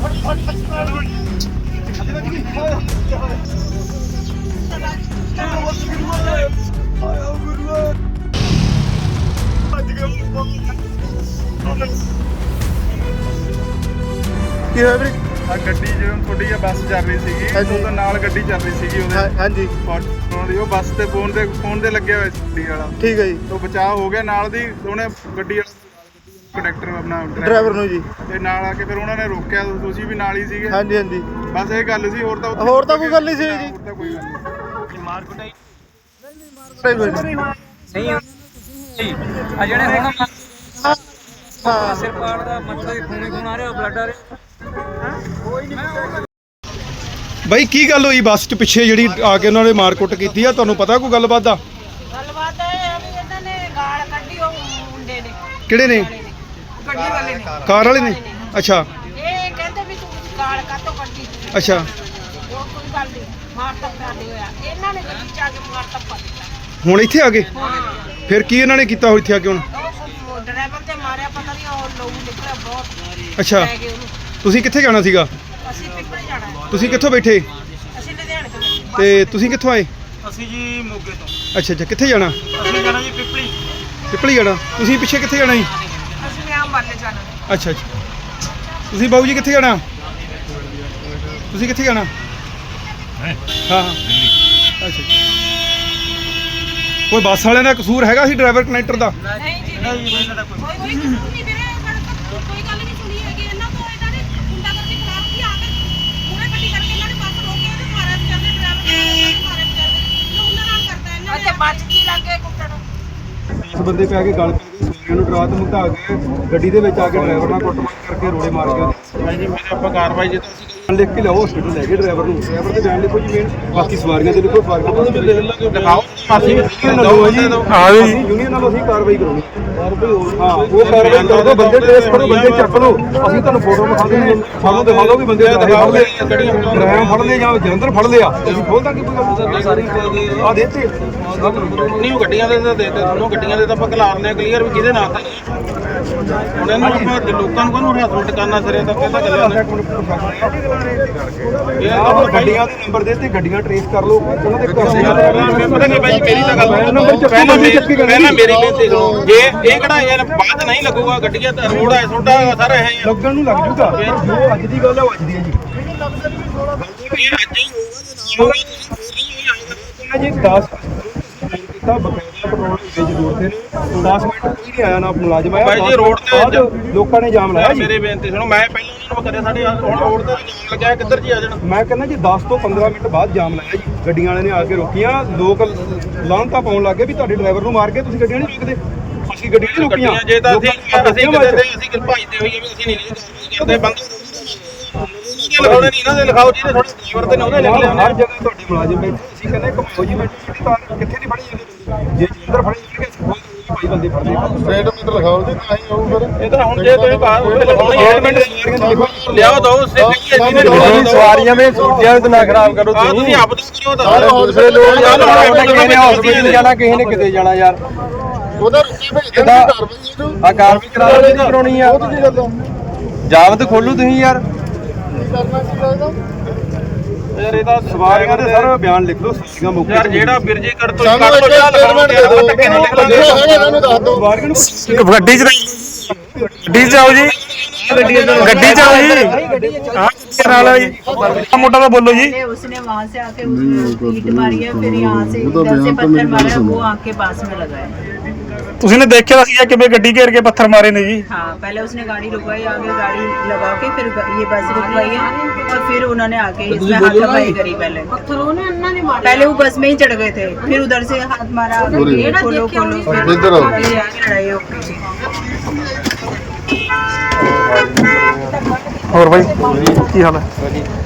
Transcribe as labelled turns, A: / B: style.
A: ਕੀ ਹੋਇਆ ਵੀਰੇ?
B: ਆ ਗੱਡੀ ਜਦੋਂ ਤੁਹਾਡੀ ਆ ਬੱਸ ਚੱਲ ਰਹੀ ਸੀਗੀ ਉਹਦੇ ਨਾਲ ਗੱਡੀ ਚੱਲ ਰਹੀ ਸੀਗੀ ਉਹਦੇ
A: ਹਾਂਜੀ
B: ਉਹ ਬੱਸ ਤੇ ਫੋਨ ਤੇ ਲੱਗਿਆ ਹੋਇਆ ਗੱਡੀ ਵਾਲਾ।
A: ਠੀਕ ਹੈ ਜੀ।
B: ਉਹ ਬਚਾਅ ਹੋ ਗਿਆ, ਨਾਲ ਦੀ ਉਹਨੇ ਗੱਡੀ ਕੰਡਕਟਰ ਆਪਣਾ
A: ਡਰਾਈਵਰ ਨੂੰ ਜੀ
B: ਤੇ ਨਾਲ ਆ ਕੇ ਫਿਰ ਉਹਨਾਂ ਨੇ ਰੋਕਿਆ। ਤੁਸੀਂ ਵੀ ਨਾਲ ਹੀ ਸੀਗੇ?
A: ਹਾਂਜੀ ਹਾਂਜੀ
B: ਬਸ ਇਹ ਗੱਲ ਸੀ, ਹੋਰ ਤਾਂ
A: ਕੋਈ ਗੱਲ ਨਹੀਂ ਸੀ ਜੀ।
B: ਹੋਰ ਤਾਂ ਕੋਈ ਗੱਲ ਨਹੀਂ।
C: ਮਾਰ ਕੁਟਾਈ
A: ਨਹੀਂ
C: ਆ ਜਿਹੜੇ ਹੁਣ
A: ਹਾਂ
C: ਸਿਰ ਪਾੜ ਦਾ ਮਤਲਬ ਖੂਨ ਆ ਰਿਹਾ, ਬਲੱਡ ਆ ਰਿਹਾ।
A: ਬਾਈ ਕੀ ਗੱਲ ਹੋਈ ਬੱਸ 'ਚ ਪਿੱਛੇ ਜਿਹੜੀ ਆ ਕੇ ਉਹਨਾਂ ਨੇ ਮਾਰਕੁੱਟ ਕੀਤੀ ਆ? ਤੁਹਾਨੂੰ ਪਤਾ ਕੋਈ ਗੱਲਬਾਤ ਦਾ?
D: ਗੱਲਬਾਤ ਇਹ ਹੈ ਵੀ ਇਹਨਾਂ ਨੇ ਗਾਲ ਕੱਢੀ ਉਹ ਮੁੰਡੇ ਨੇ।
A: ਕਿਹੜੇ ਨੇ?
D: ਗੱਡੀ ਵਾਲੇ ਨੇ,
A: ਕਾਰ ਵਾਲੇ ਨੇ। ਅੱਛਾ
D: ਇਹ ਕਹਿੰਦੇ ਵੀ ਤੂੰ ਗਾਲ ਕਾਤੋਂ ਕੱਢੀ।
A: ਅੱਛਾ
D: ਉਹ ਕੋਈ ਗੱਲ ਨਹੀਂ, ਮਾਰ ਤੱਪਾ ਨਹੀਂ ਹੋਇਆ। ਇਹਨਾਂ ਨੇ ਗੱਡੀ ਚ ਆ ਕੇ ਮਾਰ ਤੱਪਾ ਦਿੱਤਾ।
A: ਹੁਣ ਇੱਥੇ ਆ ਗਏ? ਫਿਰ ਕੀ ਇਹਨਾਂ ਨੇ ਕੀਤਾ ਹੋ ਇੱਥੇ ਆ ਕੇ ਹੁਣ?
D: ਉਹ ਡਰਾਈਵਰ ਤੇ ਮਾਰਿਆ, ਪਤਾ ਨਹੀਂ ਉਹ ਲਹੂ ਨਿਕਲਿਆ ਬਹੁਤ।
A: ਅੱਛਾ
D: ਲੈ ਗਏ ਉਹਨੂੰ।
A: ਤੁਸੀਂ ਕਿੱਥੇ ਜਾਣਾ ਸੀਗਾ?
D: ਅਸੀਂ ਪਿੱਪਲ ਜਾਣਾ ਹੈ।
A: ਤੁਸੀਂ ਕਿੱਥੋਂ ਬੈਠੇ
D: ਅਸੀਂ ਲੁਧਿਆਣੇ ਤੋਂ ਬੈਠੇ।
A: ਤੇ ਤੁਸੀਂ ਕਿੱਥੋਂ ਆਏ?
C: ਅਸੀਂ ਜੀ ਮੋਗੇ ਤੋਂ।
A: ਅੱਛਾ ਅੱਛਾ ਕਿੱਥੇ ਜਾਣਾ?
C: ਅਸੀਂ ਜਾਣਾ ਜੀ ਪਿਪਲੀ।
A: ਪਿਪਲੀ ਜਾਣਾ। ਤੁਸੀਂ ਪਿੱਛੇ ਕਿੱਥੇ ਜਾਣਾ ਜੀ?
D: ਅਸੀਂ ਆਮ ਬਾਲੇ ਜਾਣਾ।
A: ਅੱਛਾ ਅੱਛਾ ਤੁਸੀਂ ਬਾਬੂ ਜੀ ਕਿੱਥੇ ਜਾਣਾ? ਤੁਸੀਂ ਕਿੱਥੇ ਜਾਣਾ? ਹਾਂ ਹਾਂ ਅੱਛਾ ਕੋਈ ਬੱਸ ਵਾਲਿਆਂ ਦਾ ਕਸੂਰ ਹੈਗਾ ਸੀ, ਡਰਾਈਵਰ ਕਨੈਕਟਰ ਦਾ?
D: ਨਹੀਂ ਜੀ
C: ਨਹੀਂ ਇਹਨਾਂ ਦਾ ਕੋਈ
D: ਕੋਈ ਕਸੂਰ ਨਹੀਂ ਵੀਰੇ। ਕੋਈ ਗੱਲ ਨਹੀਂ ਸੁਣੀ ਹੈਗੀ ਇਹਨਾਂ ਤੋਂ। ਇਹਨਾਂ ਨੇ ਗੁੰਡਾਗਰਦੀ ਖਰਾਬ ਕੀ ਆ ਕੇ ਪੂਰੇ ਗੱਡੀ ਕਰਕੇ ਇਹਨਾਂ ਨੇ ਬੱਸ ਰੋਕੀ ਤੇ ਮਾਰਿਆ ਵਿਚਾਰੇ ਡਰਾਈਵਰ ਨੇ, ਮਾਰੇ ਵਿਚਾਰੇ ਨੂੰ। ਉਹਨਾਂ ਨਾਲ ਕਰਦਾ ਇਹਨਾਂ ਨੇ। ਅੱਛਾ ਬੱਚ ਕੀ ਲੱਗੇ ਕੁੱਟਣ।
A: ਇਸ ਬੰਦੇ ਪੈ ਕੇ ਗੱਲ ਪੈ ਗਈ, ਸੂਰੀਆਂ ਨੂੰ ਡਰਾ ਧਮਕਾ ਕੇ ਗੱਡੀ ਦੇ ਵਿੱਚ ਆ ਕੇ ਡਰਾਈਵਰ ਨਾਲ ਕੁੱਟਮਾਰ ਕਰਕੇ ਰੋੜੇ ਮਾਰ ਕੇ
B: ਭਾਈ ਜੀ ਮੇਰੇ ਆਪਾਂ ਕਾਰਵਾਈ ਜੇ ਤੁਸੀਂ
A: ਲਿਖ ਕੇ ਲਿਆਓ, ਹਸਪੀਟਲ ਲੈ ਗਏ ਡਰਾਈਵਰ ਨੂੰ। ਡਰਾਈਵਰ ਦੇ ਬਿਆਨ ਲਿਖੋ ਜੀ ਮੇਨ, ਬਾਕੀ ਸਵਾਰੀਆਂ ਦੇ ਲਿਖੋ। ਸਵਾਰੀਆਂ ਨੂੰ ਲਿਖ ਲਾਂਗੇ,
B: ਦਿਖਾਓ।
A: ਅਸੀਂ ਯੂਨੀਅਨ ਨਾਲ ਜੀ ਯੂਨੀਅਨ ਨਾਲ ਅਸੀਂ ਕਾਰਵਾਈ ਕਰਾਉਣੀ। ਹਾਂ ਉਹ ਕਾਰਵਾਈ ਕਰ ਦਿਓ, ਬੰਦੇ ਟ੍ਰੇਸ ਕਰੋ, ਬੰਦੇ ਚੱਕ ਲਓ। ਅਸੀਂ ਤੁਹਾਨੂੰ ਫੋਟੋ ਦਿਖਾ ਦਿੰਦੇ, ਸਾਨੂੰ ਦਿਖਾ ਦਿਓ ਵੀ ਬੰਦੇ ਫੜ ਲਏ, ਡਰਾਈਵਰ ਫੜ ਲਏ ਜਾਂ ਜਲੰਧਰ ਫੜ ਲਿਆ। ਅਸੀਂ ਖੋਲ ਦਾਂਗੇ ਕੋਈ ਸਾਰੀ ਆ ਦੇਤੇ
B: ਨਹੀਂ ਉਹ ਗੱਡੀਆਂ ਦੇ ਤਾਂ ਦੇ ਤੁਹਾਨੂੰ ਗੱਡੀਆਂ ਦੇ ਤਾਂ ਆਪਾਂ ਖਿਲਾਰਨੇ ਆ ਕਲੀਅਰ ਵੀ ਕਿਹਦੇ ਨਾਲ ਤਾਂ ਹੁਣ ਇਹਨੂੰ ਆਪਾਂ ਲੋਕਾਂ ਨੂੰ ਕਾਹਨੂੰ ਹਰਾਸਮੈਂਟ ਕਰਨਾ ਸਿਰੇ ਤੱਕ ਇਹ ਤਾਂ ਚੱਲਿਆ
A: ਇਹ ਆਪਾਂ ਗੱਡੀਆਂ ਦੇ ਨੰਬਰ ਦੇ ਤੇ ਗੱਡੀਆਂ ਟ੍ਰੇਸ ਕਰ ਲਓ, ਉਹਨਾਂ ਦੇ
B: ਪਤਾ ਨਹੀਂ ਭਾਈ ਮੇਰੀ ਤਾਂ ਗੱਲ
A: ਨੰਬਰ
B: ਪਹਿਲਾਂ ਮੇਰੀ ਬੇਨਤੀ ਸੁਣੋ। ਜੇ ਇਹ ਕਿਹੜਾ ਯਾਰ ਬਾਅਦ ਨਹੀਂ ਲੱਗੂਗਾ, ਗੱਡੀਆਂ ਤਾਂ ਰੋਡ ਹੈ ਛੋਟਾ ਸਾਰਾ ਹੈ
A: ਲੱਗਣ ਨੂੰ ਲੱਗ ਜੂਗਾ। ਜੋ ਅੱਜ ਦੀ ਗੱਲ ਹੈ ਉਹ ਅੱਜ ਦੀ ਹੈ ਜੀ।
B: ਇਹ ਅੱਜ ਹੀ ਹੋਊਗਾ
A: ਜੀ 10 ਕੀਤਾ ਬਕਾਇਦਾ ਪੈਟਰੋਲ ਵੇਚ ਦੋੜਦੇ ਨੇ 10 ਮਿੰਟ ਕੋਈ ਨਹੀਂ ਆਇਆ ਨਾ ਮੁਲਾਜ਼ਮ ਆਇਆ।
B: ਭਾਈ ਜੀ ਰੋਡ ਤੇ
A: ਲੋਕਾਂ ਨੇ ਜਾਮ ਲਾਇਆ ਜੀ।
B: ਮੇਰੀ ਬੇਨਤੀ ਸੁਣੋ, ਮੈਂ ਪਹਿਲਾਂ ਉਹਨਾਂ ਨੂੰ ਕਰਿਆ ਸਾਡੇ ਹੁਣ ਰੋਡ ਤੇ ਜਾਮ ਲੱਗਿਆ, ਕਿੱਧਰ ਜੀ ਆ ਜਾਣਾ।
A: ਮੈਂ ਕਹਿੰਦਾ ਜੀ 10 ਤੋਂ 15 ਮਿੰਟ ਬਾਅਦ ਜਾਮ ਲਾਇਆ ਜੀ। ਗੱਡੀਆਂ ਵਾਲਿਆਂ ਨੇ ਆ ਕੇ ਰੋਕੀਆਂ, ਲੋਕ ਲਾਹਨਤਾਂ ਪਾਉਣ ਲੱਗੇ ਵੀ ਤੁਹਾਡੇ ਡਰਾਈਵਰ ਨੂੰ ਮਾਰ ਕੇ ਤੁਸੀਂ ਗੱਡੀਆਂ ਨਹੀਂ ਰੋਕਦੇ। ਅਸੀਂ ਗੱਡੀਆਂ ਨਹੀਂ ਰੋਕੀਆਂ।
B: ਜੇ ਤਾਂ ਅਸੀਂ ਅਸੀਂ ਭਜਦੇ ਹੋਈਏ ਵੀ ਅਸੀਂ ਨਹੀਂ ਕਰਦੇ ਬੰਦ ਲਿਖਾਉਣੇ ਨਹੀਂ ਇਹਨਾਂ ਦੇ ਲਿਖਾਓ, ਜਿਹਦੇ ਥੋੜੇ ਡਰਾਈਵਰ ਤੇ ਨੇ ਉਹਦੇ ਲਿਖ ਲਿਆ।
A: ਹਰ ਜਗ੍ਹਾ ਤੁਹਾਡੇ ਮੁਲਾਜ਼ਮ ਬੈਠੇ, ਅਸੀਂ ਕਹਿੰਦੇ ਘੁਮਾਓ ਜੀ ਬੈਠੀ ਕਾਰ ਕਿੱਥੇ ਨਹੀਂ ਫੜੀ ਜਾਂਦੀ। ਜੇ ਜਲੰਧਰ ਫੜੀ ਜਾਣਗੇ ਭਾਈ ਬੰਦੇ ਫੜਦੇ
E: ਸਟੇਟਮੈਂਟ ਲਿਖਾਓ ਜੀ, ਤਾਂ ਹੀ ਆਊ ਫਿਰ।
B: ਇਹ ਤਾਂ ਹੁਣ ਜੇ ਤੁਸੀਂ ਬਾਹਰ ਲਿਖਾਉਣੀ ਹੈ ਲਿਆਓ ਦੋ
A: ਸਵਾਰੀਆਂ ਵਿੱਚ ਸੂਟੀਆਂ ਤੇ ਨਾ ਖਰਾਬ ਕਰੋ
B: ਤੁਸੀਂ ਆਪ ਦਾ ਕਰਿਓ
E: ਸਾਰੇ
B: ਤਾਂ
E: ਹੌਸਲੇ ਲੋ ਯਾਰ,
A: ਕਿਸੇ ਨੇ ਹਸਪੀਟਲ ਜਾਣਾ, ਕਿਸੇ ਨੇ ਕਿਤੇ ਜਾਣਾ ਯਾਰ।
E: ਉਹਦਾ ਰੁਕੀ ਭੇਜਦੇ ਨੇ ਕਾਰਵਾਈ ਇਹਨੂੰ।
A: ਆ ਕਾਰਵਾਈ ਕਰਾ ਲਓ ਜੀ, ਕਰਾਉਣੀ ਆ।
E: ਉਹ ਤਾਂ ਕੀ ਗੱਲ ਆ?
A: ਜਾਬਤ ਖੋਲੂ ਤੁਸੀਂ ਯਾਰ।
E: ਕੀ ਕਰਨਾ ਕੀ ਲੱਗਦਾ?
B: ਯਾਰ ਇਹਦਾ
A: ਸਵਾਰੀਆਂ ਦੇ ਸਰ ਬਿਆਨ ਲਿਖ ਲਓ, ਸੂਚੀਆਂ ਮੁੱਕ
B: ਯਾਰ ਜਿਹੜਾ ਬਿਰਜੇ ਕਰ ਤੋਂ
E: ਸਾਨੂੰ
B: ਕੱਢ
E: ਇੱਕ
B: ਤੋਂ ਜਾ
E: ਸਟੇਟਮੈਂਟ ਦੇ ਦਿਓ।
B: ਧੱਕੇ ਨਾਲ ਲਿਖ ਲਾਂਗੇ।
E: ਜਿਹੜਾ ਹੈਗਾ ਇਹਨਾਂ ਨੂੰ ਦੱਸ ਦਿਓ।
A: ਸਵਾਰੀਆਂ ਨੂੰ
F: ਗੱਡੀ 'ਚ ਆਓ ਜੀ, ਗੱਡੀ 'ਚ ਆਓ ਜੀ। ਨਾਲ ਜੀ मोटा तो बोलो जी।
D: उसने वहाँ से आके उसने ईंट मारी है, फिर यहाँ से इधर से पत्थर मारा, वो आके पास में लगाया।
F: तुसीने देखा था कि गड्डी घेर के पत्थर मारे ने जी?
D: हाँ पहले उसने गाड़ी रुकवाई, आगे गाड़ी लगा के फिर ये बस रुकवाई है और फिर उन्होंने आके इसमें हाथापाई करी। पहले वो बस में ही चढ़ गए थे, फिर उधर से हाथ मारा, खोलो खोलो, फिर
E: इधर आओ।
D: ये आगे लड़ाई हो गई।
F: और भाई की हाल है?